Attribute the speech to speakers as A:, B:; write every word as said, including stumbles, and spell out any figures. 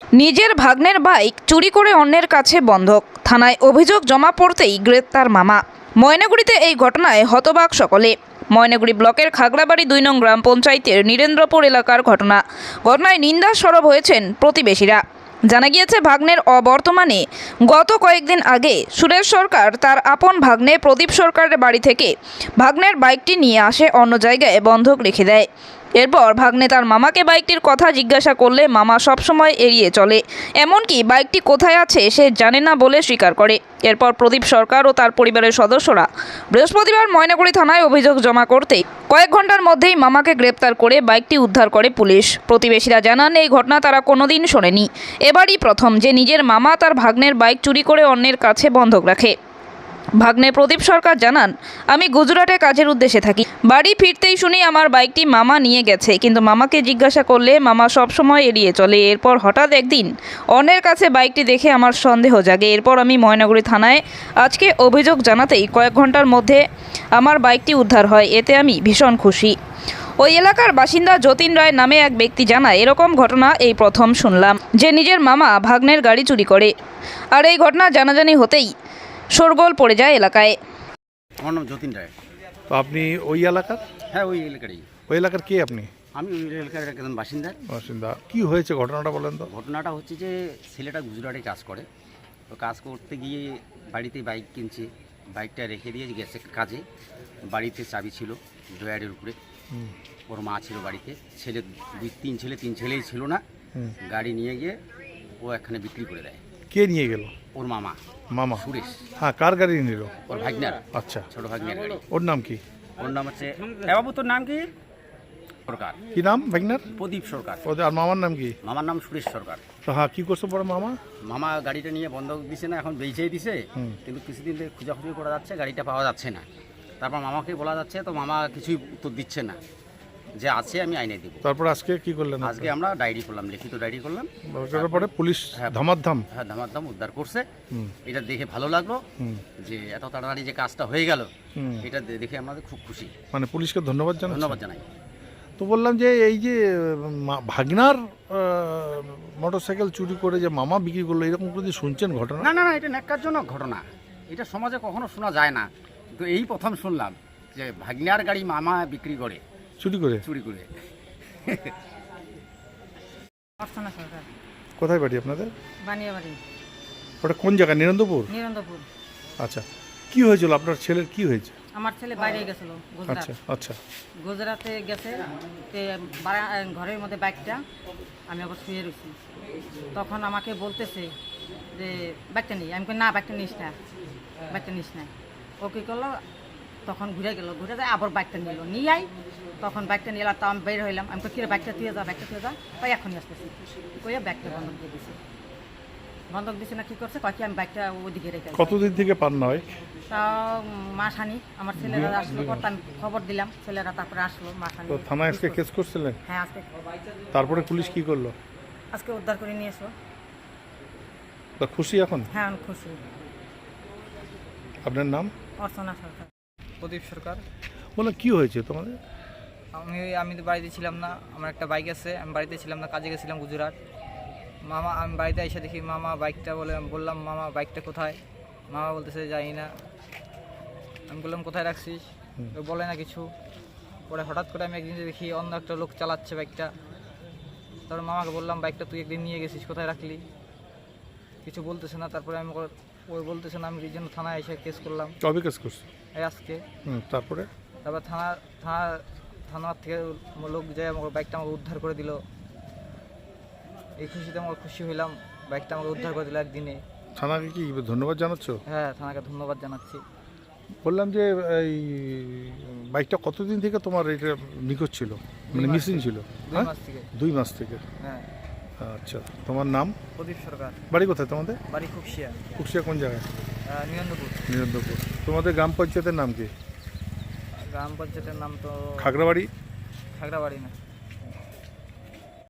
A: নিজের ভাগ্নের বাইক চুরি করে অন্যের কাছে বন্ধক, থানায় অভিযোগ জমা পড়তেই গ্রেপ্তার মামা। ময়নাগুড়িতে এই ঘটনায় হতবাক সকলে। ময়নাগুড়ি ব্লকের খাগড়াবাড়ি দুই নং গ্রাম পঞ্চায়েতের নীরেন্দ্রপুর এলাকার ঘটনা। ঘটনায় নিন্দা সরব হয়েছেন প্রতিবেশীরা। জানা গিয়েছে, ভাগ্নের অবর্তমানে গত কয়েকদিন আগে সুরেশ সরকার তার আপন ভাগ্নে প্রদীপ সরকারের বাড়ি থেকে ভাগ্নের বাইকটি নিয়ে আসে, অন্য জায়গায় বন্ধক রেখে দেয়। এরপর ভাগ্নে তার মামাকে বাইকটির কথা জিজ্ঞাসা করলে মামা সবসময় এড়িয়ে চলে, এমনকি বাইকটি কোথায় আছে সে জানে না বলে স্বীকার করে। এরপর প্রদীপ সরকার ও তার পরিবারের সদস্যরা বৃহস্পতিবার ময়নাগুড়ি থানায় অভিযোগ জমা করতে কয়েক ঘন্টার মধ্যেই মামাকে গ্রেপ্তার করে বাইকটি উদ্ধার করে পুলিশ। প্রতিবেশীরা জানান, এই ঘটনা তারা কোনোদিন শোনেনি, এবারই প্রথম যে নিজের মামা তার ভাগ্নের বাইক চুরি করে অন্যের কাছে বন্ধক রাখে। ভাগ্নে প্রদীপ সরকার জানান, আমি গুজরাটে কাজের উদ্দেশ্যে থাকি, বাড়ি ফিরতেই শুনি আমার বাইকটি মামা নিয়ে গেছে, কিন্তু মামাকে জিজ্ঞাসা করলে মামা সবসময় এড়িয়ে চলে। এরপর হঠাৎ একদিন অন্যের কাছে বাইকটি দেখে আমার সন্দেহ জাগে। এরপর আমি ময়নাগুড়ি থানায় আজকে অভিযোগ জানাতেই কয়েক ঘন্টার মধ্যে আমার বাইকটি উদ্ধার হয়, এতে আমি ভীষণ খুশি। ওই এলাকার বাসিন্দা যতীন রায় নামে এক ব্যক্তি জানায়, এরকম ঘটনা এই প্রথম শুনলাম যে নিজের মামা ভাগ্নের গাড়ি চুরি করে। আর এই ঘটনা জানাজানি হতেই শোরগোল পড়ে যায় এলাকায়।
B: আমার নাম যতীন রায়।
C: তো আপনি ওই এলাকার?
B: হ্যাঁ, ওই এলাকারই।
C: ওই এলাকার কে আপনি?
B: আমি ওই এলাকার একজন বাসিন্দা।
C: বাসিন্দা। কি হয়েছে ঘটনাটা বলেন তো?
B: ঘটনাটা হচ্ছে যে ছেলেটা গুজরাটে কাজ করে, তো কাজ করতে গিয়ে বাড়িতে বাইক কিনছে, বাইকটা রেখে দিয়ে গেছে কাজে। বাড়িতে চাবি ছিল ড্রয়ারের উপরে, ওর মা ছিল বাড়িতে, ছেলে দুই তিন ছেলে তিন ছেলেই ছিল না। গাড়ি নিয়ে গিয়ে ও এখানে বিক্রি করে দেয়।
C: কে নিয়ে গেল?
B: ওর মামা।
C: মামা
B: সুরেশ।
C: হ্যাঁ, কার গাড়ি নিল?
B: ওর ভাগ্নার।
C: আচ্ছা,
B: ছোট ভাগ্নার গাড়ি।
C: ওর নাম কি?
B: ওর নাম হচ্ছে, এ বাবু তোর নাম কি? সরকার।
C: কি নাম ভাগনার?
B: প্রদীপ সরকার।
C: ওদের আর মামার নাম কি?
B: মামার নাম সুরেশ সরকার।
C: তো হ্যাঁ, কি করছে পরে মামা?
B: মামা গাড়িটা নিয়ে বন্ধক দিছে না, এখন বেঁচেই দিছে, কিন্তু কিছুদিন ধরে খোঁজাখুঁজি করা যাচ্ছে, গাড়িটা পাওয়া যাচ্ছে না। তারপর মামাকে বলা যাচ্ছে, তো মামা কিছুই উত্তর দিচ্ছে না, যে আছে আমি আইনে দেবো।
C: তারপর আজকে কি করলেন?
B: আজকে আমরা ডায়েরি করলাম, লিখিত ডায়েরি করলাম।
C: তারপরে পুলিশ ধামাধাম
B: হ্যাঁ ধামাধাম উদ্ধার করছে। এটা দেখে ভালো লাগলো যে এত তাড়াতাড়ি যে কাজটা হয়ে গেল, এটা দেখে আমাদের খুব খুশি।
C: মানে পুলিশকে ধন্যবাদ জানাই।
B: ধন্যবাদ জানাই।
C: তো বললাম যে এই যে ভাগনার মোটরসাইকেল চুরি করে যে মামা বিক্রি করলো, এরকম করে শুনছেন ঘটনা?
B: না না না, এটা ন্যাক্কারজনক ঘটনা, এটা সমাজে কখনো শোনা যায় না, তো এই প্রথম শুনলাম যে ভাগনার গাড়ি মামা বিক্রি করে,
C: চুরি করে
B: চুরি করে।
C: কোথায় বাড়ি আপনাদের?
D: বানিয়াবাড়ি।
C: ওটা কোন জায়গা? নিরন্দপুর?
D: নিরন্দপুর।
C: আচ্ছা, কি হয়েছিল আপনার ছেলের? কি হয়েছে?
D: আমার ছেলে বাইরে গেছিল গুজরাট।
C: আচ্ছা আচ্ছা।
D: গুজরাটে গেছে, তে বাড়া- ঘরের মধ্যে বাইকটা আমি আবার শুয়ে রয়েছি, তখন আমাকে বলতেছে যে বাইকটা নিই। আমি কই না, বাইকটা নিস না, বাইকটা নিস না। ও কী করলো, তখন ঘুরে গেল, ঘুরে যায় আবার বাইকটা নিল, নিয়ে আই। তখন বাইকটা নিয়ে এলাম, তো আমি বের হইলাম। আমি কিরে বাইকটা তুই যা, বাইকটা তুই যা, তাই এখনই আসতেছি কইয়া ব্যাগটা বন্ধক দিয়ে দিছে। বন্ধক দিছে না, কী করছে কয় কি আমি বাইকটা ওদিকে রেখে।
C: কতদিন থেকে পান না হয়?
D: তাও মাসখানি। আমার ছেলেরা আসলো, পর আমি খবর দিলাম, ছেলেরা তারপরে আসলো মাসখানি।
C: তো থানায় আজকে কেস করছিলেন?
D: হ্যাঁ, আজকে
C: তারপরে পুলিশ কি করলো?
D: আজকে উদ্ধার করে নিয়ে এসো।
C: তা খুশি এখন?
D: হ্যাঁ, আমি খুশি।
C: আপনার নাম?
D: অর্চনা সরকার।
E: প্রদীপ সরকার।
C: বলে কি হয়েছে তোমাদের?
E: আমি আমি তো বাড়িতে ছিলাম না, আমার একটা বাইক আছে, আমি বাড়িতে ছিলাম না, কাজে গেছিলাম গুজরাট। মামা, আমি বাড়িতে এসে দেখি মামা বাইকটা, বলে বললাম মামা বাইকটা কোথায়? মামা বলতেছে জানি না। আমি বললাম কোথায় রাখছিস? তো বলে না কিছু। পরে হঠাৎ করে আমি একদিন দেখি অন্য একটা লোক চালাচ্ছে বাইকটা। তারপর মামাকে বললাম বাইকটা তুই একদিন নিয়ে গেছিস, কোথায় রাখলি? কিছু বলতেছে না। তারপরে আমি ওই বলতেছে না, আমি এই জন্য থানায় এসে কেস করলাম।
C: কবে কেস করছো?
E: এই আজকে।
C: হুম, তারপরে?
E: তারপর থানা থানা থানার থেকে লোক যায় আমার বাইকটা আমাকে উদ্ধার করে দিল। এই খুশিতে আমার খুশি হইলাম, বাইকটা আমাকে উদ্ধার করে দিল একদিনে।
C: থানাকে কি ধন্যবাদ জানাচ্ছ?
E: হ্যাঁ, থানাকে ধন্যবাদ জানাচ্ছি।
C: বললাম যে এই বাইকটা কতদিন থেকে তোমার এটা নিখোঁজ ছিল, মানে মিসিং ছিল?
E: দুই মাস থেকে।
C: দুই মাস থেকে।
E: হ্যাঁ।
C: আচ্ছা, তোমার নাম?
E: প্রদীপ সরকার।
C: বাড়ি কোথায় তোমাদের?
E: বাড়ি খুকশিয়া।
C: কুকসিয়া কোন জায়গায়?
E: নিরন্দপুর।
C: নিরন্দপুর। তোমাদের গ্রাম পঞ্চায়েতের নাম কি?
E: গ্রাম পঞ্চায়েতের নাম তো
C: খাগড়াবাড়ি?
E: খাগড়াবাড়ি না।